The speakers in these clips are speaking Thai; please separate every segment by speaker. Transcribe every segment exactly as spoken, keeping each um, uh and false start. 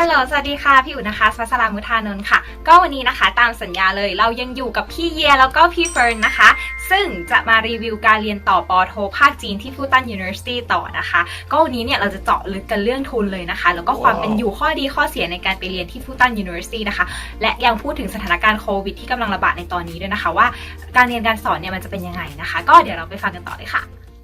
Speaker 1: ลโหลสวัสดีค่ะพี่อุ๋นะคะสวัสรามุทานนท์ค่ะก็วันนี้นะคะตามสัญญาเลยเรายังอยู่กับพี่เยียแล้วก็พี่เฟิร์นนะคะซึ่งจะมารีวิวการเรียนต่อปอโทภาคจีนที่ฟูตัน University ต่อนะคะก็วันนี้เนี่ยเราจะเจาะลึกกันเรื่องทุนเลยนะคะแล้วก็ความเป็นอยู่ข้อดีข้อเสียในการไปเรียนที่ฟูตัน University นะคะและยังพูดถึงสถานการณ์โควิดที่กำลังระบาดในตอนนี้ด้วยนะคะว่าการเรียนการสอนเนี่ยมันจะเป็นยังไงนะคะก็เดี๋ยวเราไปฟังกันต่อเลยค่ะ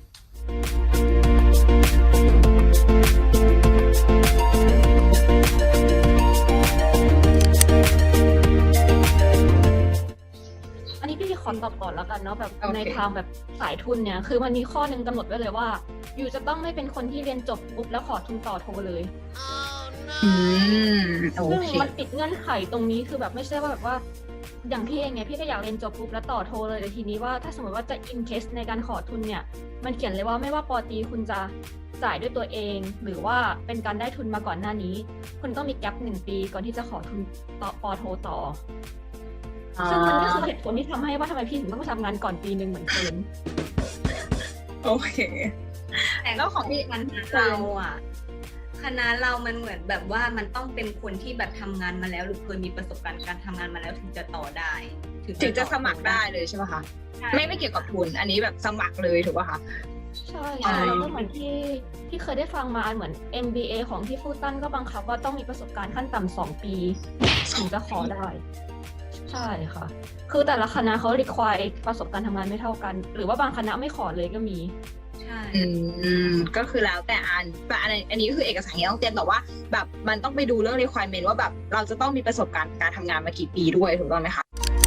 Speaker 2: อันนี้พี่ขอตอบก่อนแล้วกันเนาะแบบ
Speaker 3: okay.
Speaker 2: ในทางแบบสายทุนเนี่ยคือมันมีข้อหนึ่งกำหนดไว้เลยว่าอยู่จะต้องไม่เป็นคนที่เรียนจบปุ๊บแล้วขอทุนต่อโทเลย
Speaker 3: อืมโอ
Speaker 2: ซึ่ง
Speaker 3: เค
Speaker 2: มันติดเงื่อนไขตรงนี้คือแบบไม่ใช่ว่าแบบว่าอย่างพี่เองไงพี่ก็อยากเรียนจบปุ๊บแล้วต่อโทเลยแต่ทีนี้ว่าถ้าสมมติว่าจะอินเคสในการขอทุนเนี่ยมันเขียนเลยว่าไม่ว่าปอตรีคุณจะจ่ายด้วยตัวเองหรือว่าเป็นการได้ทุนมาก่อนหน้านี้คุณต้องมีแกลบหนึ่งปีก่อนที่จะขอทุนต่อปอโทต่อซึ่งมันก็คือเหตุผลที่ทำให้ว่าทำไมพี่ถึงต้องทำงานก่อนปีหนึ่งเหมือนเดิม
Speaker 3: โอเค
Speaker 4: แต่ก็ของคณะเราอ่ะคณะเรามันเหมือนแบบว่ามันต้องเป็นคนที่แบบทำงานมาแล้วหรือเคยมีประสบการณ์การทำงานมาแล้วถึงจะต่อได้
Speaker 3: ถึงจะสมัครได้เลยใช่ไหมคะไม่ไม่เกี่ยวกับทุนอันนี้แบบสมัครเลยถูกป่ะคะ
Speaker 2: ใช่ใช่แล้วก็เหมือนที่ที่เคยได้ฟังมาเหมือน เอ็ม บี เอ ของที่ฟูตันก็บังคับว่าต้องมีประสบการณ์ขั้นต่ำสองปีถึงจะขอได้ใช่ค่ะคือแต่ละคณะเขา require ประสบการณ์ทำงานไม่เท่ากันหรือว่าบางคณะไม่ขอเลยก็มี
Speaker 4: ใช่
Speaker 3: อืมก็คือแล้วแต่อันแต่อันอันนี้ก็คือเอกสารที่ต้องเตรียมแต่ว่าแบบมันต้องไปดูเรื่อง requirement ว่าแบบเราจะต้องมีประสบการณ์การทำงานมากี่ปีด้วยถูกต้องไหมคะ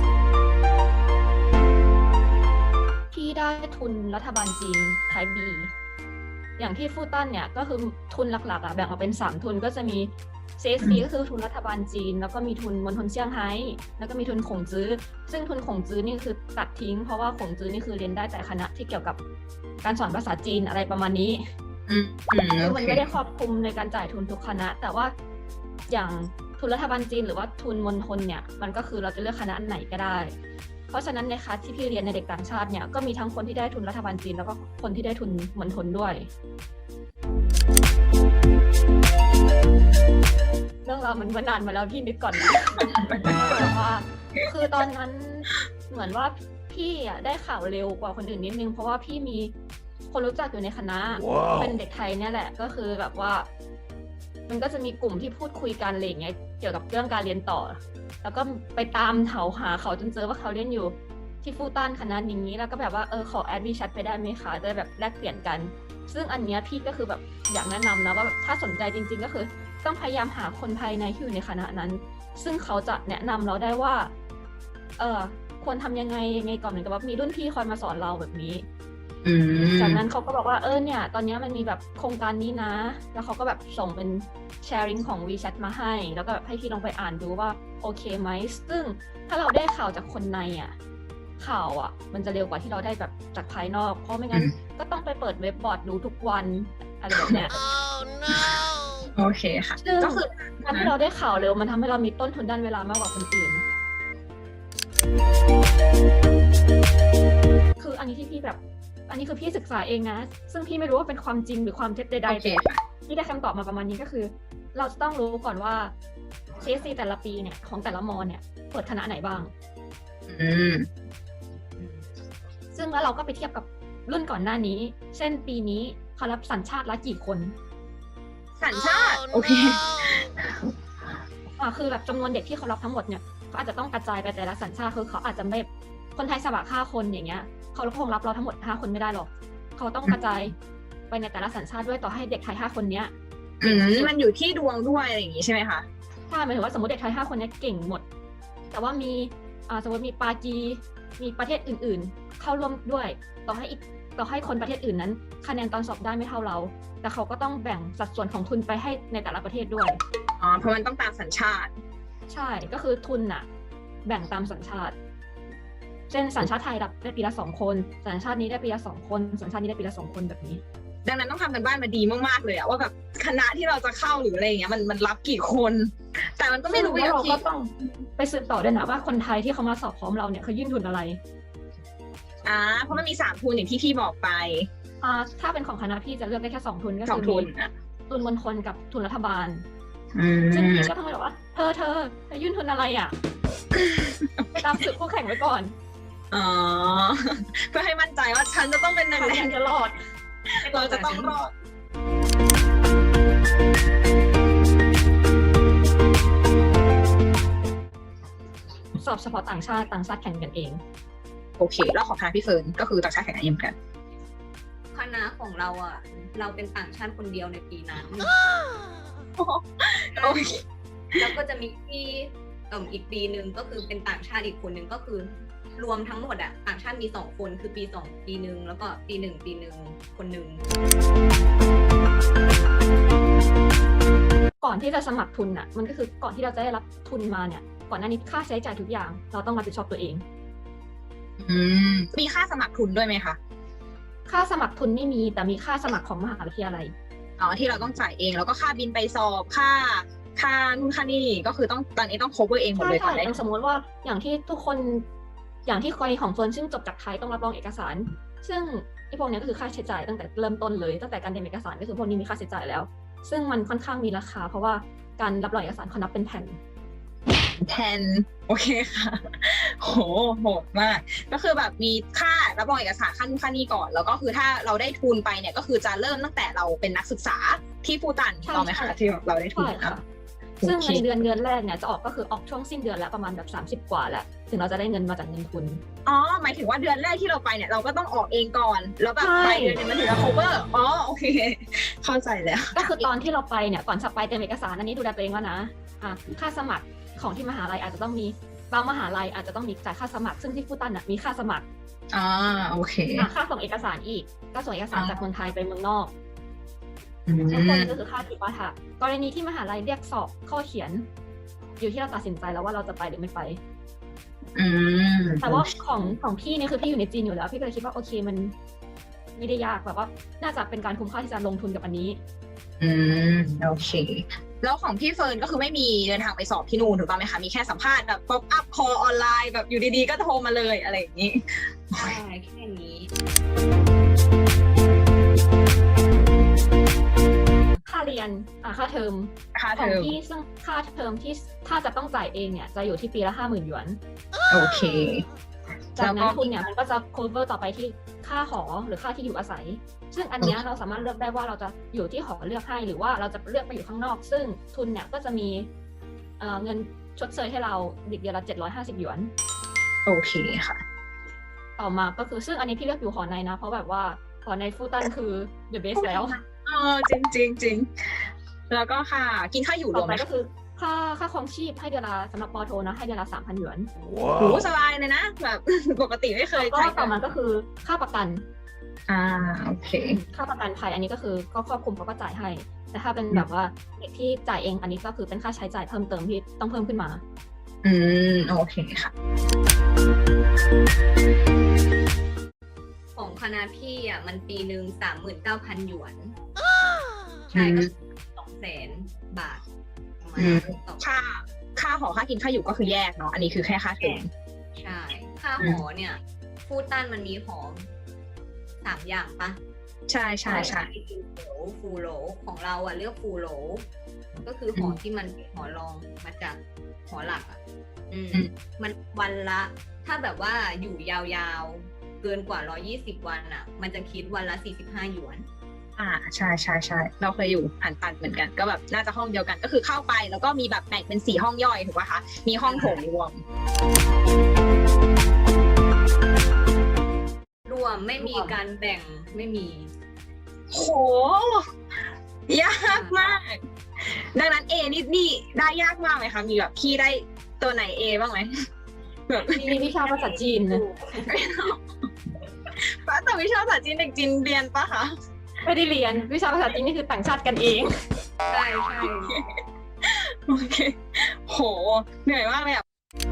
Speaker 2: ที่ได้ทุนรัฐบาลจีน Type B อย่างที่ฟูตันเนี่ยก็คือทุนหลักๆอ่ะแบ่งออกเป็นสามทุนก็จะมี ซี เอส ซี ก็คือทุนรัฐบาลจีนแล้วก็มีทุนมณฑลเซี่ยงไฮ้แล้วก็มีทุนขงจื้อซึ่งทุนขงจื้อนี่คือตัดทิ้งเพราะว่าขงจื้อนี่คือเรียนได้แต่คณะที่เกี่ยวกับการสอนภาษาจีนอะไรประมาณนี้คือมันไม่ได้ครอบคลุมในการจ่ายทุนทุกคณะแต่ว่าอย่างทุนรัฐบาลจีนหรือว่าทุนมณฑลเนี่ยมันก็คือเราจะเลือกคณะไหนก็ได้เพราะฉะนั้นในคลาสที่พี่เรียนในเด็กต่างชาติเนี่ยก็มีทั้งคนที่ได้ทุนรัฐบาลจีนแล้วก็คนที่ได้ทุนมณฑลด้วยเรื่องราวมันมานานมาแล้วพี่นึกก่อนนะแต่ว่าคือตอนนั้นเหมือนว่าพี่อ่ะได้ข่าวเร็วกว่าคนอื่นนิดนึงเพราะว่าพี่มีคนรู้จักอยู่ในคณะ wow. เป็นเด็กไทยเนี่ยแหละก็คือแบบว่ามันก็จะมีกลุ่มที่พูดคุยกันอะไรอย่างเงี้ยเกี่ยวกับเรื่องการเรียนต่อแล้วก็ไปตามเถาหาเขาจนเจอว่าเขาเรียนอยู่ที่ฟูตันคณะนี้แล้วก็แบบว่าเออขอแอดมิชชั่นไปได้ไหมคะจะแบบแลกเปลี่ยนกันซึ่งอันเนี้ยพี่ก็คือแบบอยากแนะนำนะว่าถ้าสนใจจริงๆก็คือต้องพยายามหาคนภายในที่อยู่ในคณะนั้นซึ่งเขาจะแนะนำเราได้ว่าเออควรทำยังไงยังไงก่อนเหมือนกับว่ามีรุ่นพี่คอยมาสอนเราแบบนี้จากนั้นเขาก็บอกว่าเออเนี่ยตอนนี้มันมีแบบโครงการนี้นะแล้วเขาก็แบบส่งเป็นแชร์ริงของ WeChat มาให้แล้วก็แบบให้พี่ลองไปอ่านดูว่าโอเคไหมซึ่งถ้าเราได้ข่าวจากคนในอ่ะข่าวอ่ะมันจะเร็วกว่าที่เราได้แบบจากภายนอกเพราะไม่งั้นก็ต้องไปเปิดเว็บบอร์ดดูทุกวันอะไรแบบเนี้ย
Speaker 3: oh, no. โอเคค่ะ
Speaker 2: ก็คือการที่เราได้ข่าวเร็วมันทำให้เรามีต้นทุนด้านเวลามากกว่าคนอื่นคืออันนี้ที่พี่แบบอันนี้คือพี่ศึกษาเองนะซึ่งพี่ไม่รู้ว่าเป็นความจริงหรือความเท็จใดๆแต่ที่ได้คำตอบมาประมาณนี้ก็คือเราจะต้องรู้ก่อนว่า ซี เอส ซี แต่ละปีเนี่ยของแต่ละมอเนี่ยเปิดคณะไหนบ้างซึ่งแล้วเราก็ไปเทียบกับรุ่นก่อนหน้านี้เช่นปีนี้เขารับสัญชาติละกี่คน
Speaker 3: สัญชาติโอเค
Speaker 2: อ่าคือแบบจำนวนเด็กที่เขารับทั้งหมดเนี่ยเขาอาจจะต้องกระจายไปแต่ละสัญชาติคือเขาอาจจะไม่คนไทยสมัครห้าคนอย่างเงี้ยเขาคงรับเราทั้งหมดห้าคนไม่ได้หรอกเขาต้องกระจายไปในแต่ละสัญชาติด้วยต่อให้เด็กไทยห้าคนเนี้ย
Speaker 3: อืมมันอยู่ที่ดวงด้วยอะไรอย่างงี้ใช่ไหมคะ
Speaker 2: ใช่หมายถึงว่าสมมติเด็กไทยห้าคนเนี้ยเก่งหมดแต่ว่ามีอ่าสมมติมีปากีมีประเทศอื่นๆเข้าร่วมด้วยต่อให้อีกต่อให้คนประเทศอื่นนั้นคะแนนตอนสอบได้ไม่เท่าเราแต่เขาก็ต้องแบ่งสัดส่วนของทุนไปให้ในแต่ละประเทศด้วย
Speaker 3: อ๋อเพราะมันต้องตามสัญชาติ
Speaker 2: ใช่ก็คือทุนน่ะแบ่งตามสัญชาติเช่นสัญชาติไทยได้ปีละสองคนสัญชาตินี้ได้ปีละสองคนสัญชาตินี้ได้ปีละสองคนแบบนี้
Speaker 3: ดังนั้นต้องทำกันบ้านมาดีมากๆเลยอะว่าแบบคณะที่เราจะเข้าหรืออะไรอย่างเงี้ยมันมันรับกี่คนแต่มันก็ไม่รู้ว่า
Speaker 2: เราก็ต้องไปสืบต่อด้วยนะว่าคนไทยที่เขามาสอบพร้อมเราเนี่ยเขายื่นทุนอะไร
Speaker 3: อ่าเพราะมันมีสามทุนอย่างที่พี่บอกไป
Speaker 2: อ่าถ้าเป็นของคณะพี่จะเลือกได้แค่สองทุนก็คือทุนทุนมณฑลกับทุนรัฐบาล
Speaker 3: อื
Speaker 2: ซึ่ง
Speaker 3: ม
Speaker 2: พี่ก็ต้องแบบว่าเธอเธอเธอยื่นทุนอะไรอ่ะ ไปตามสืบคู่แข่งไว้ก่อน
Speaker 3: อ๋อ เพื่อให้มั่นใจว่าฉันจะต้องเป็นหนึ่ง
Speaker 2: ใคร
Speaker 3: ใน
Speaker 2: ยังจะรอด
Speaker 3: เราจะต้องรอด
Speaker 2: สอบเฉพาะต่างชาติต่างชาติแข่งกันเอง
Speaker 3: โอเค แล้วของคณะพี่เฟิร์นก็คือต่างชาติแข่งกันเองเหมือนกัน
Speaker 4: คณะของเราอ่ะ เราเป็นต่างชาติคนเดียวในปีนั้น
Speaker 3: โอเค
Speaker 4: แล้วก็จะมีที่เอ่ออีกปีหนึ่งก็คือเป็นต่างชาติอีกคนหนึ่งก็คือรวมทั้งหมดอะต่างชาติมีสองคนคือปีสองปีหนึ่งแล้วก็ปีหนึ่งปีหนึ่งคนหนึ่ง
Speaker 2: ก่อนที่จะสมัครทุนอ่ะ มันก็คือก่อนที่เราจะได้รับทุนมาเนี่ย ก่อนหน้านี้ค่าใช้จ่ายทุกอย่าง เราต้องรับผิดชอบตัวเอง
Speaker 3: อืม มีค่าสมัครทุนด้วยไหมคะ
Speaker 2: ค่าสมัครทุนไม่มีแต่มีค่าสมัครของมหาวิทยาลัย
Speaker 3: อ๋อ ที่เราต้องจ่ายเอง แล้วก็ค่าบินไปสอบ ค่า ค่านู่นค่านี่ ก็คือต้องตอนนี้ต้อง cover เองหมด
Speaker 2: ใช่
Speaker 3: เลยก่อ
Speaker 2: ใช่
Speaker 3: นได้
Speaker 2: อย่างสมมติว่าอย่างที่ทุกคนอย่างที่กรณีของเฟิร์นซึ่งจบจากไทยต้องรับรองเอกสาร ซึ่งไอ้พวกเนี้ยก็คือค่าใช้จ่ายตั้งแต่เริ่มต้นเลยตั้งแต่การเตรียมเอกสารก็คือพวกนี้มีค่าใช้จ่ายแล้ว ซึ่งมันค่อนข้างมีราคา เพราะว่าการรับรองเอกสารเขานับเป็นแผ่น
Speaker 3: แทน โอเคค่ะ โห โหดมาก ก็คือแบบมีค่ารับรองเอกสารค่านู่นค่านี่ก่อน แล้วก็คือถ้าเราได้ทุนไปเนี่ย ก็คือจะเริ่มตั้งแต่เราเป็นนักศึกษาที่ฟูตัน
Speaker 2: ใช่
Speaker 3: ถูกไหมคะ
Speaker 2: ใช่
Speaker 3: ที่เราได้ทุน
Speaker 2: ใช่ค่ะ
Speaker 3: อ่ะ
Speaker 2: ซึ่ง
Speaker 3: โอเค
Speaker 2: ในเดือนเดือนแรกเนี่ยจะออกก็คือออกช่วงสิ้นเดือนแล้วประมาณแบบสามสิบกว่าแหละถึงเราจะได้เงินมาจากเงินทุน
Speaker 3: อ๋อ หมายถึงว่าเดือนแรกที่เราไปเนี่ย เราก็ต้องออกเองก่อน แล้วแบบ
Speaker 2: ใช่
Speaker 3: ปลายเดือนเนี่ยมันถึงจะ cover อ๋อ โอเค เข้าใจแล้ว
Speaker 2: ก็คือตอนที่เราไปเนี่ยก่อนจะไปเตรียมเอกสารอันนี้ดูแลตัวเองแล้วนะอ่ะค่าสมัครของที่มหาลัยอาจจะต้องมีบางมหาลัยอาจจะต้องมีจ่ายค่าสมัคร ซึ่งที่ฟูตันน่ะมีค่าสมัคร
Speaker 3: อ่า โอเค
Speaker 2: อ่ะค่าส่งเอกสารอีกก็ส่งเอกสาร
Speaker 3: อ่า
Speaker 2: จากเมืองไทยไปเมืองนอก
Speaker 3: อืม
Speaker 2: ทั้งหมดก็คือค่าจิปาถะกรณีที่มหาลัยเรียกสอบข้อเขียน อยู่ที่เราตัดสินใจแล้วว่าเราจะไปหรือไม่ไป
Speaker 3: อืม
Speaker 2: แต่ว่าของของพี่เนี่ยคือพี่อยู่ในจีนอยู่แล้ว พี่ก็เลยคิดว่าโอเคมันไม่ได้ยากแบบว่า น่าจะเป็นการคุ้มค่าที่จะลงทุนกับอันนี้
Speaker 3: อืม โอเค แล้วของพี่เฟิร์นก็คือไม่มีเดินทางไปสอบที่นู่นถูกต้องไหมคะ มีแค่สัมภาษณ์แบบ pop up call ออนไลน์แบบอยู่ดีๆ ก็โทรมาเลยอะไรอย่างนี้
Speaker 4: ใช่แค่นี้
Speaker 2: ค่าเรียนอ่ะค่าเทอม
Speaker 3: ค่า
Speaker 2: ข
Speaker 3: เท
Speaker 2: อง
Speaker 3: อม
Speaker 2: พี่ซึ่งค่าเทอมที่ถ้าจะต้องจ่ายเองเนี่ยจะอยู่ที่ปีละห้าหมื่นหยวน
Speaker 3: โอเค
Speaker 2: จาก
Speaker 3: แล้วก็
Speaker 2: นั้นทุนเนี่ยมันก็จะ cover ต่อไปที่ค่าหอหรือค่าที่อยู่อาศัย ซึ่งอันเนี้ยเราสามารถเลือกได้ว่าเราจะอยู่ที่หอเลือกให้หรือว่าเราจะเลือกไปอยู่ข้างนอก ซึ่งทุนเนี่ยก็จะมีเอ่อเงินชดเชยให้เราเดือนละเจ็ดร้อยห้าสิบหยวน
Speaker 3: โอเคค่ะ
Speaker 2: ต่อมาก็คือซึ่งอันนี้พี่เลือกอยู่หอในนะ เพราะแบบว่าหอในฟูตันคือ the best แล้ว
Speaker 3: เออจริงจริงจริงแล้วก็ค่ะ กินข้าวอยู่ร
Speaker 2: ต่
Speaker 3: ว
Speaker 2: อ
Speaker 3: ม
Speaker 2: ไป
Speaker 3: ไหม
Speaker 2: ก็คือค่าค่าครองชีพให้เดือนละสำหรับปอโทนะให้เดือนละสามพันหยวน
Speaker 3: โหสบายเลยนะ แบบ ปกติไม่เคย
Speaker 2: ก็
Speaker 3: ใช้
Speaker 2: ต่อมาก็คือค่าประกัน
Speaker 3: อ่า โอเค
Speaker 2: ค่าประกันภัยอันนี้ก็คือก็ครอบคลุมเขาก็จ่ายให้ แต่ถ้าเป็นแบบว่าเด็กที่จ่ายเองอันนี้ก็คือเป็นค่าใช้จ่ายเพิ่มเติมที่ต้องเพิ่มขึ้นมา
Speaker 3: อืม โอเคค่ะ
Speaker 4: ของคณะพี่อ่ะมันปีหนึ่งสามหมื่นเก้าพันหยวน ใช่ก็สองแสนบาทประมาณ
Speaker 3: อืม
Speaker 4: ต่อ
Speaker 3: ค่า ค่าหอค่ากินค่าอยู่ก็คือแยกเนาะ อันนี้คือแค่ค่าเทอม
Speaker 4: ใช่ ค่าหอเนี่ยฟูตันมันมีหอสามอย่างปะ
Speaker 3: ใช่ใช่ใช่
Speaker 4: ฟูโหลฟูโหลของเราอ่ะเลือกฟูโหลก็คือหอที่มันเป็นหอรองมาจากหอหลักอ่ะ อืม
Speaker 3: อืม
Speaker 4: มันวันละ ถ้าแบบว่าอยู่ยาวๆ เกินกว่าร้อยี่สิบวันอ่ะ มันจะคิดวันละสี่สิบห้าหยวน
Speaker 3: อ่า ใช่ใช่ใช่ เราเคยอยู่หันตันเหมือนกัน ก็แบบน่าจะห้องเดียวกัน ก็คือเข้าไปแล้วก็มีแบบแบ่งเป็นสี่ห้องย่อยถูกป่ะคะ มีห้องโถงรวม
Speaker 4: รวมไม่มีการแบ่งไม่มี
Speaker 3: โห ยากมาก ดังนั้น A นี่นี่ได้ยากมากไหมคะ มีแบบพี่ได้ตัวไหน A บ้างไหมแบบ
Speaker 2: มีวิชาภาษาจีนนะ
Speaker 3: แต่วิชาภาษาจีนเด็กจีนเรียนปะคะ
Speaker 2: ไม่ได้เรียนวิชาภาษาจีนนี่คือต่างชาติกันเอง
Speaker 4: ใช่ใช่
Speaker 3: โอเค โห เหนื่อยมากเลยอ่ะ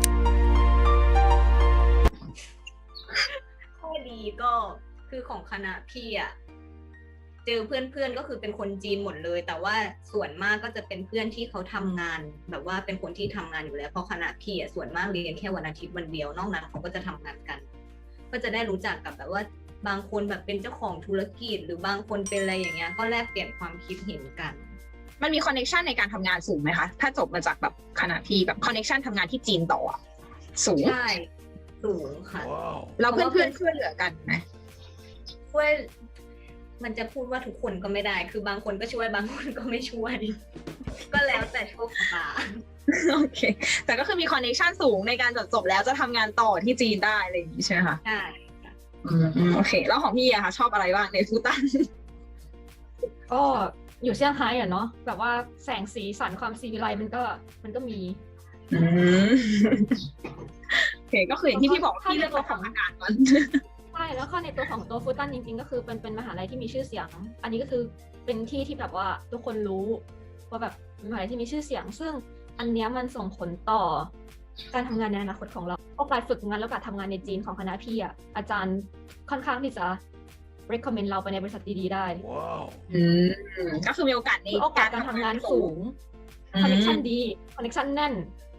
Speaker 4: ข้อดีก็คือของคณะพี่อ่ะเจอเพื่อนๆก็คือเป็นคนจีนหมดเลย แต่ว่าส่วนมากก็จะเป็นเพื่อนที่เขาทำงาน แบบว่าเป็นคนที่ทำงานอยู่แล้วเพราะคณะพี่อ่ะส่วนมากเรียนแค่วันอาทิตย์วันเดียวนอกนั้นเขาก็จะทำงานกัน ก็จะได้รู้จักกับแบบว่าบางคนแบบเป็นเจ้าของธุรกิจ หรือบางคนเป็นอะไรอย่างเงี้ยก็แลกเปลี่ยนความคิดเห็นกัน
Speaker 3: มันมีคอนเน c t ชันในการทำงานสูงไหมคะถ้าจบมาจากแบบคณะพี่แบบคอนเน c t ชันทำงานที่จีนต่ออะสูง
Speaker 4: ใช่สูงค่ะ
Speaker 3: แล้วเพื่อนเพื่อนๆช่วยเหลือกันไหม
Speaker 4: ช่วยมันจะพูดว่าทุกคนก็ไม่ได้ คือบางคนก็ช่วยบางคนก็ไม่ช่วย ก็แล้วแต่โชคชะตา
Speaker 3: โอเค แต่ก็คือมีคอนเน c t ชันสูงในการจบจบแล้วจะทำงานต่อที่จีนได้อะไรอย่างนี้ใช่ไหมคะ
Speaker 4: ใช่
Speaker 3: อืมอืมโอเค แล้วของพี่อะคะชอบอะไรบ้างในฟูตัน
Speaker 2: ก็อยู่เซี่ยงไฮ้อะเนาะแบบว่าแสงสีสันความซีวิไลซ์มันก็มันก็มี
Speaker 3: อืมโอเคก็คืออย่างที่พี่บอกว่าพี่เลือกมาทำอากาศก่อน
Speaker 2: ใช่แล้วก็ในตัวของตัวฟูตันจริงๆก็คือเป็นเป็นมหาลัยที่มีชื่อเสียง อันนี้ก็คือเป็นที่ที่แบบว่าทุกคนรู้ว่าแบบเป็นมหาลัยที่มีชื่อเสียง ซึ่งอันเนี้ยมันส่งผลต่อการทำงานในอนาคตของเราโอกาสฝึกงานและโอกาสทำงานในจีนของคณะพี่อ่ะอาจารย์ค่อนข้างที่จะ recommend เราไปในบริษัทดีๆได้
Speaker 3: อืมก็คือมีโอกาสใน
Speaker 2: โอกาสการทำงานสูง คอนเนคชั่นดี คอนเนคชั่นแน่น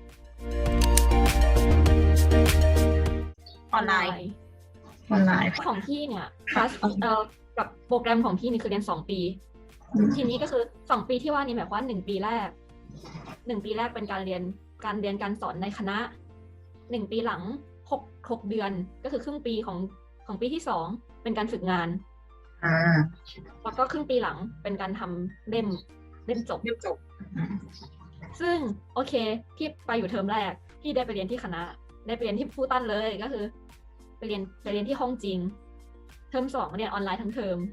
Speaker 3: ออนไลน์ออนไลน์
Speaker 2: ของพี่เนี่ยคลาสเอ่อกับโปรแกรมของพี่นี่คือเรียนสองปี
Speaker 3: อืม
Speaker 2: ทีนี้ก็คือสองปีที่ว่านี่หมายความว่าหนึ่งปีแรกหนึ่งปีแรกเป็นการเรียนการเรียนการสอนในคณะหนึ่งปีหลังหกหกเดือนก็คือครึ่งปีของของปีที่สองเป็นการฝึกงาน
Speaker 3: อ่า
Speaker 2: แล้วก็ครึ่งปีหลังเป็นการทำเล่มเล่มจบ
Speaker 3: เรียบจบอืม
Speaker 2: ซึ่งโอเคพี่ไปอยู่เทอมแรกพี่ได้ไปเรียนที่คณะ ได้ไปเรียนที่ฟูตันเลยก็คือไปเรียนไปเรียนที่ห้องจริง เทอมสองเรียนออนไลน์ทั้งเทอม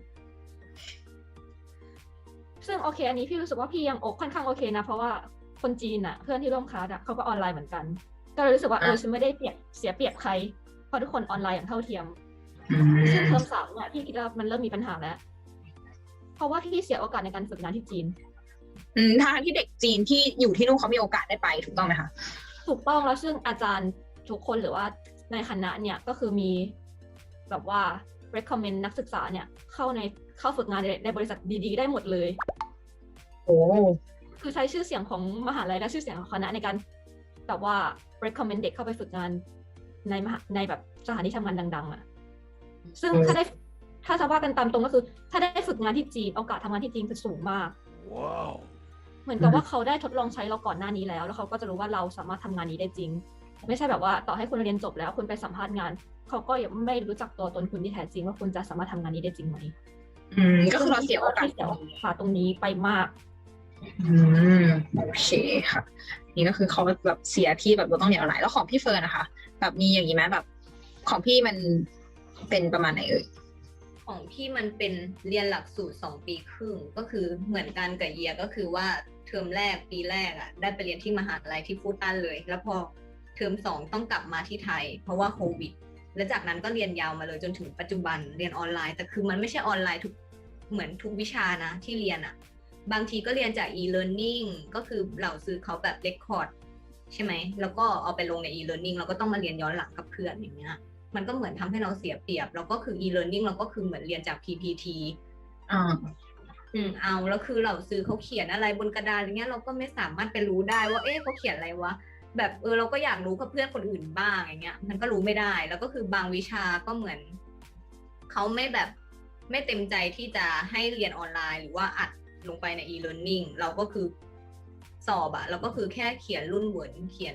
Speaker 2: ซึ่งโอเค อันนี้พี่รู้สึกว่าพี่ยังโอค่อนข้างโอเคนะเพราะว่าคนจีนอะเพื่อนที่ร่วมคลาสอะเขาก็ออนไลน์เหมือนกันก็เลยรู้สึกว่าเออฉันไม่ได้เปรียบเสียเปรียบใครเพราะทุกคนออนไลน์อย่างเท่าเทียม
Speaker 3: อื
Speaker 2: ซึ่ง
Speaker 3: ม
Speaker 2: เทอมสามเนี่ยพี่คิดว่ามันเริ่มมีปัญหาแล้ว เพราะว่าพี่เสียโอกาสในการฝึกงานที่จีน
Speaker 3: อืมทางที่เด็กจีนที่อยู่ที่นู่นเขามีโอกาสได้ไปถูกต้องไหมคะ
Speaker 2: ถูกต้องแล้วซึ่งอาจารย์ทุกคนหรือว่าในคณะเนี่ยก็คือมีแบบว่า recommend นักศึกษาเนี่ยเข้าในเข้าฝึกงานในในบริษัทดีๆได้หมดเลย
Speaker 3: โอ้
Speaker 2: คือใช้ชื่อเสียงของมหาลัยและชื่อเสียงของคณะในการแบบว่า recommend เด็กเข้าไปฝึกงานในมหาในแบบสถานที่ทำงานดังๆอ่ะซึ่งถ้าได้ถ้าจะว่ากันตามตรงก็คือ ถ้าได้ฝึกงานที่จีนโอกาสทำงานที่จีนคือสูงมาก
Speaker 5: Wow.
Speaker 2: เหมือนกับว่าเขาได้ทดลองใช้เราก่อนหน้านี้แล้ว แล้วเขาก็จะรู้ว่าเราสามารถทำงานนี้ได้จริง ไม่ใช่แบบว่าต่อให้คุณเรียนจบแล้วคุณไปสัมภาษณ์งาน เขาก็ยังไม่รู้จักตัวตนคุณที่แท้จริงว่าคุณจะสามารถทำงานนี้ได้จริงไหม
Speaker 3: อืมก็คือเราเสียโอกาส
Speaker 2: ที่เสียโอกาสตรงนี้ไปมาก
Speaker 3: อืมโอเคค่ะ นี่ก็คือเขาแบบเสียที่แบบเราต้องเรียนออนไลน์แล้วของพี่เฟิร์นนะคะ แบบมีอย่างนี้ไหมแบบของพี่มันเป็นประมาณไหนเอ่ย
Speaker 4: ของพี่มันเป็นเรียนหลักสูตรสองปีครึ่งก็คือเหมือนกันกับเยียก็คือว่าเทอมแรกปีแรกอ่ะได้ไปเรียนที่มหาลัยที่ฟูตันเลย แล้วพอเทอมสองต้องกลับมาที่ไทย เพราะว่าโควิด และจากนั้นก็เรียนยาวมาเลยจนถึงปัจจุบันเรียนออนไลน์แต่คือมันไม่ใช่ออนไลน์ทุกเหมือนทุกวิชานะที่เรียนอ่ะบางทีก็เรียนจาก e-learning ก็คือเหล่าซื้อเขาแบบเรคคอร์ดใช่ไหมแล้วก็เอาไปลงใน e-learning เราก็ต้องมาเรียนย้อนหลังกับเพื่อนอย่างเงี้ยมันก็เหมือนทำให้เราเสียเปรียบแล้วก็คือ e-learning เราก็คือเหมือนเรียนจาก พี พี ที
Speaker 3: อ่า
Speaker 4: อืมเอาแล้วคือเราซื้อเขาเขียนอะไรบนกระดานอย่างเงี้ยเราก็ไม่สามารถไปรู้ได้ว่าเอ๊ะเขาเขียนอะไรวะแบบเออเราก็อยากรู้กับเพื่อนคนอื่นบ้างอย่างเงี้ยมันก็รู้ไม่ได้แล้วก็คือบางวิชาก็เหมือนเขาไม่แบบไม่เต็มใจที่จะให้เรียนออนไลน์หรือว่าอัดลงไปใน e-learning เราก็คือสอบอะเราก็คือแค่เขียนรุ่นเหวินเขียน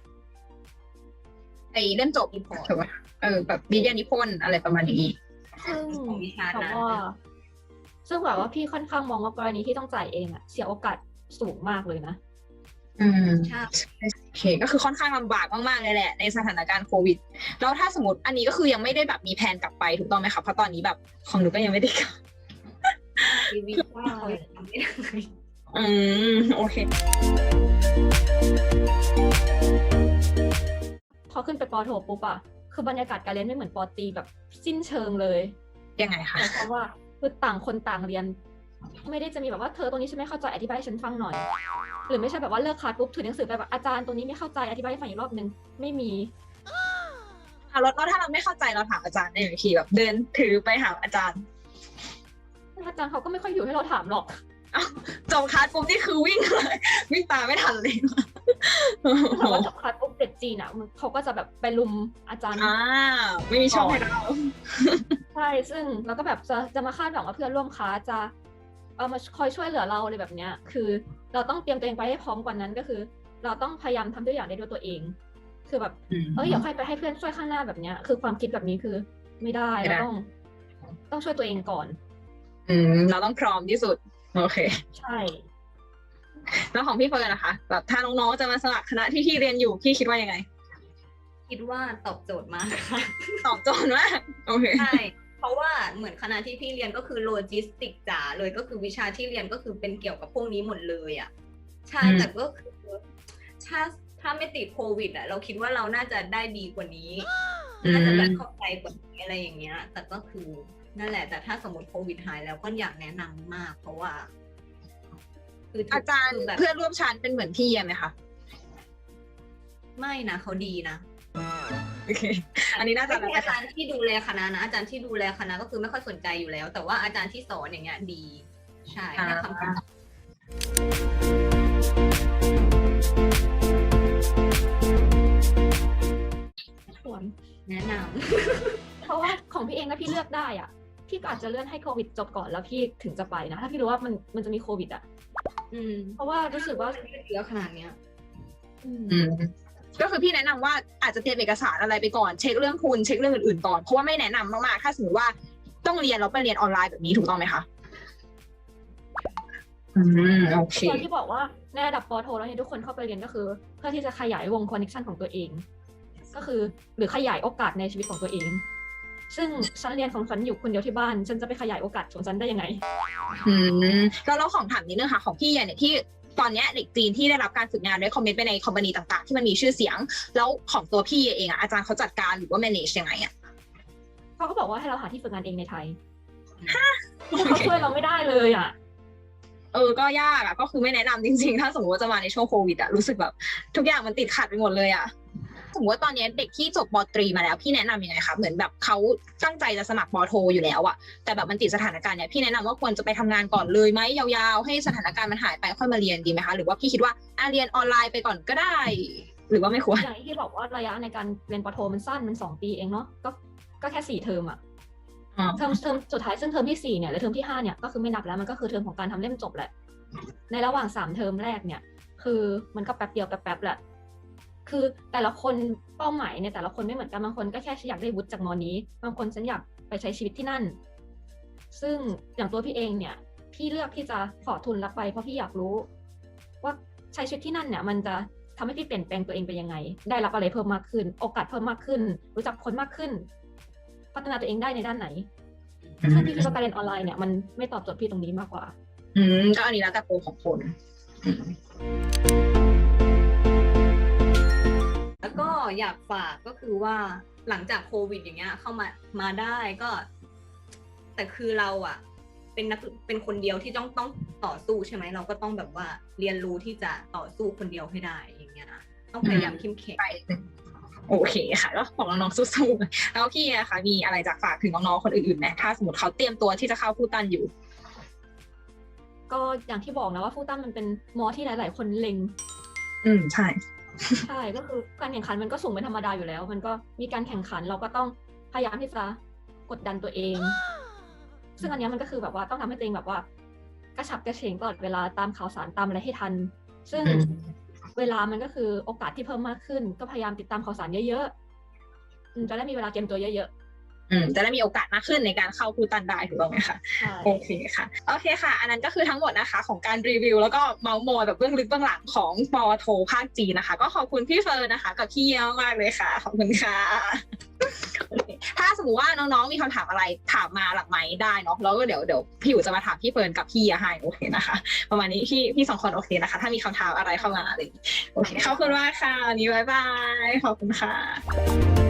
Speaker 3: ไอเล่มจบ
Speaker 4: รีพอร์ต
Speaker 3: ถูกป่ะเออแบบวิทยานิพนธ์อะไรประมาณนี้
Speaker 2: ซึ่ง
Speaker 4: ของวิชา
Speaker 2: แต่
Speaker 4: นั้น
Speaker 2: ว่าซึ่งแบบว่าพี่ค่อนข้างมองว่ากรณีที่ต้องจ่ายเองอะเสียโอกาสสูงมากเลยนะ
Speaker 3: อืม
Speaker 4: ใช่
Speaker 3: โอเคก็คือค่อนข้างลำบากมากๆเลยแหละในสถานการณ์โควิดแล้วถ้าสมมติอันนี้ก็คือยังไม่ได้แบบมีแผนกลับไปถูกต้องไหมคะเพราะตอนนี้แบบของหนูก็ยังไม่ได้กลับ
Speaker 4: ชีวิตว่าเรายังทำไม่ได้
Speaker 3: อืมโอเค
Speaker 2: พอขึ้นไปปอโทปุ๊บอะคือบรรยากาศการเรียนไม่เหมือนปอตรีแบบสิ้นเชิงเลย
Speaker 3: ยังไงคะ
Speaker 2: แต่เพราะว่าคือต่างคนต่างเรียน ไม่ได้จะมีแบบว่าเธอตรงนี้ฉันไม่เข้าใจอธิบายให้ฉันฟังหน่อย หรือไม่ใช่แบบว่าเลิกคลาสปุ๊บถือหนังสือไปแบบอาจารย์ตรงนี้ไม่เข้าใจอธิบายให้ฟังอีกรอบนึงไม่มี
Speaker 3: อ่ะแล้วแล้วถ้าเราไม่เข้าใจเราถามอาจารย์ได้ไหมพี่แบบเดินถือไปหาอาจารย์
Speaker 2: อาจารย์เขาก็ไม่ค่อยอยู่ให้เราถามหรอก
Speaker 3: จบคลาสปุ๊บนี่คือวิ่งเลยวิ่งตามไม่ทันเลย
Speaker 2: แต่ว่าจบคลาสปุ๊บเด็กจีนอ่ะมันเขาก็จะแบบไปลุมอาจารย์
Speaker 3: อ่าไม่มีช่องให้เรา
Speaker 2: ใช่ซึ่งเราก็แบบจะจะมาคาดหวังว่าเพื่อนร่วมคลาสจะเอามาคอยช่วยเหลือเราอะไรแบบเนี้ยคือเราต้องเตรียมตัวเองไปให้พร้อมกว่านั้นก็คือ เราต้องพยายามทำทุกอย่างได้ด้วยตัวเอง คือแบบ
Speaker 3: อืม
Speaker 2: เอ้ยอย่าค่อยไปให้เพื่อนช่วยข้างหน้าแบบเนี้ยคือความคิดแบบนี้คือไม่ได้
Speaker 3: ไม่ได้
Speaker 2: เราต้อง ต้องช่วยตัวเองก่อน
Speaker 3: อืมเราต้องพร้อมที่สุดโอเค
Speaker 2: ใช่
Speaker 3: แล้วของพี่เฟิร์นนะคะแบบถ้าน้องๆจะมาสมัครคณะที่พี่เรียนอยู่พี่คิดว่ายังไง
Speaker 4: คิดว่าตอบโจทย์มากค่ะ
Speaker 3: ตอบโจทย์มากโอเค
Speaker 4: ใช่ เพราะว่าเหมือนคณะที่พี่เรียนก็คือโลจิสติกจ๋าเลยก็คือวิชาที่เรียนก็คือเป็นเกี่ยวกับพวกนี้หมดเลยอ่ะใช่
Speaker 3: อืม
Speaker 4: แต่ก็คือถ้าถ้าไม่ติดโควิดอ่ะเราคิดว่าเราน่าจะได้ดีกว่านี้ น่าจะแบบเข้าใจกว่านี้อะไรอย่างเงี้ย แต่ก็คือนั่นแหละ แต่ถ้าสมมติโควิดหายแล้วก็อยากแนะนำมาก เพราะว่า คือทุก
Speaker 3: อาจารย์
Speaker 4: คือแบบ
Speaker 3: เพื่อนร่วมชั้นเป็นเหมือนพี่ไหมคะ
Speaker 4: ไม่นะเขาดีนะ
Speaker 3: โอเค อันนี้น่าจะ
Speaker 4: ไม่ใช่อาจารย์ที่ดูแลคณะนะอาจารย์ที่ดูแลคณะก็คือไม่ค่อยสนใจอยู่แล้ว แต่ว่าอาจารย์ที่สอนอย่างเงี้ยดี ใช่ให้คำปรึกษา
Speaker 2: ควร
Speaker 4: แนะน
Speaker 2: เพราะว่าของพี่เองนะพี่เลือกได้อ่ะพี่ก็อาจจะเลื่อนให้โควิดจบก่อนแล้วพี่ถึงจะไปนะถ้าพี่รู้ว่ามันมันจะมีโควิดอ่ะ
Speaker 4: ำอืม
Speaker 2: เพราะว่ารู้สึกว่า
Speaker 4: มันยืดเยื้อขนาดเนี้ย
Speaker 2: อืม
Speaker 3: อืมก็คือพี่แนะนำว่าอาจจะเตรียมเอกสารอะไรไปก่อนเช็คเรื่องทุนเช็คเรื่องอื่นๆก่อนเพราะว่าไม่แนะนำมากๆถ้าสมมติว่าต้องเรียนแล้วไปเรียนออนไลน์แบบนี้ถูกต้องไหมคะอืมโอเค
Speaker 2: ตอนที่บอกว่าในระดับปอโทแล้วเนี่ยทุกคนเข้าไปเรียนก็คือ เพื่อที่จะขยายวงคอนเนคชันของตัวเอง ก็คือหรือขยายโอกาสในชีวิตของตัวเอง ซึ่งฉันเรียนของฉันอยู่คนเดียวที่บ้านฉันจะไปขยายโอกาสของฉันได้ยังไง
Speaker 3: อืมแล้วเราของถามนิดนึงค่ะของพี่เนี่ยที่ตอนเนี้ยเด็กจีนที่ได้รับการฝึกงานได้คอมเมนต์ไปในคอมพานีต่างๆที่มันมีชื่อเสียง แล้วของตัวพี่เองอะอาจารย์เขาจัดการหรือว่า manage ยังไงอะ
Speaker 2: เขาก็บอกว่าให้เราหาที่ฝึกงานเองในไทยเขาช่วยเราไม่ได้เลยอ่ะ
Speaker 3: เออก็ยากอะก็คือไม่แนะนำจริงๆ ถ้าสมมติว่าจะมาในช่วงโควิดอะรู้สึกแบบทุกอย่างมันติดขัดไปหมดเลยอะสมมติว่าตอนนี้เด็กที่จบปตรีมาแล้วพี่แนะนำยังไงคะเหมือนแบบเขาตั้งใจจะสมัครปโทอยู่แล้วอะแต่แบบมันติดสถานการณ์เนี่ยพี่แนะนำว่าควรจะไปทำงานก่อนเลยไหมยาวๆให้สถานการณ์มันหายไปค่อยมาเรียนดีไหมคะหรือว่าพี่คิดว่าอ่ะเรียนออนไลน์ไปก่อนก็ได้ หรือว่าไม่ควร
Speaker 2: อย่างที่บอกว่าระยะในการเรียนปอโทมันสั้นมันสองปีเองเนาะก็ก็แค่สี่เทอมอะ
Speaker 3: อ๋อ
Speaker 2: เทอมเทอมสุดท้ายซึ่งเทอมที่สี่เนี่ยหรือเทอมที่ห้าเนี่ยก็คือไม่นับแล้วมันก็คือเทอมของการทำเล่มจบแหละในระหว่างสามเทอมแรกเนี่ยคือมันก็แป๊บเดียวแป๊บๆแหละคือแต่ละคนเป้าหมายเนี่ยแต่ละคนไม่เหมือนกันบางคนก็แค่อยากได้วุฒิจากมอนี้บางคนฉันอยากไปใช้ชีวิตที่นั่น ซึ่งอย่างตัวพี่เองเนี่ยพี่เลือกที่จะขอทุนรับไปเพราะพี่อยากรู้ ว่าใช้ชีวิตที่นั่นเนี่ยมันจะทำให้พี่เปลี่ยนแปลงตัวเองไปยังไง ได้รับอะไรเพิ่มมากขึ้น โอกาสเพิ่มมากขึ้น รู้จักคนมากขึ้น พัฒนาตัวเองได้ในด้านไหนซึ่งพี่คิดว่าการเรียนออนไลน์เนี่ยมันไม่ตอบโจทย์พี่ตรงนี้มากกว่า
Speaker 3: อืมก็อันนี้แล้วแต่โปรของคนอืม
Speaker 4: แล้วก็อยากฝากก็คือว่าหลังจากโควิดอย่างเงี้ยเข้ามามาได้ก็ แต่คือเราอะเป็นนักเป็นคนเดียวที่ต้องต้องต่อสู้ใช่ไหมเราก็ต้องแบบว่าเรียนรู้ที่จะต่อสู้คนเดียวให้ได้อย่างเงี้ยนะต้องพยายามเข้มแข็ง
Speaker 3: ไปโอเคค่ะแล้วบอกน้องๆสู้ๆแล้วพี่อะคะมีอะไรจะฝากถึงน้องๆคนอื่นๆไหมถ้าสมมติเขาเตรียมตัวที่จะเข้าฟูตันอยู่
Speaker 2: ก็อย่างที่บอกนะว่าฟูตันมันเป็นมอที่หลาย ๆ คนเล็ง
Speaker 3: อืมใช่
Speaker 2: ใช่ก็คือการแข่งขันมันก็สูงเป็นธรรมดาอยู่แล้ว มันก็มีการแข่งขันเราก็ต้องพยายามที่จะกดดันตัวเอง ซึ่งอันเนี้ยมันก็คือแบบว่าต้องทำให้ตัวเองแบบว่ากระฉับกระเฉงตลอดเวลาตามข่าวสารตามอะไรให้ทัน ซึ่ง
Speaker 3: อืม
Speaker 2: เวลามันก็คือโอกาสที่เพิ่มมากขึ้น ก็พยายามติดตามข่าวสารเยอะๆอืมจะได้มีเวลาเตรียมตัวเยอะ
Speaker 3: อืมจะได้มีโอกาสมากขึ้นในการเข้าฟูตันได้ถูกต้องไหมคะ
Speaker 2: ๆใช่
Speaker 3: โอเคค่ะโอเคค่ะ อันนั้นก็คือทั้งหมดนะคะของการรีวิวแล้วก็เมาส์มอยแบบเบื้องลึกเบื้องหลังของปอโทภาคจีนนะคะ ก็ขอบคุณพี่เฟิร์นนะคะ กับพี่เยี่ยมมากเลยค่ะขอบคุณค่ะโอเคถ้าสมมติว่าน้องๆมีคำถามอะไรถามมาหลังไมค์ได้เนาะแล้วก็เดี๋ยวเดี๋ยวพี่อยู่จะมาถามพี่เฟิร์นกับพี่เยี่ยให้โอเคนะคะ ประมาณนี้พี่พี่สองคนโอเคนะคะ ถ้ามีคำถามอะไรเข้ามาอะไรอย่างงี้โอเคขอบคุณมากค่ะวันนี้บ๊ายบายขอบคุณค่ะ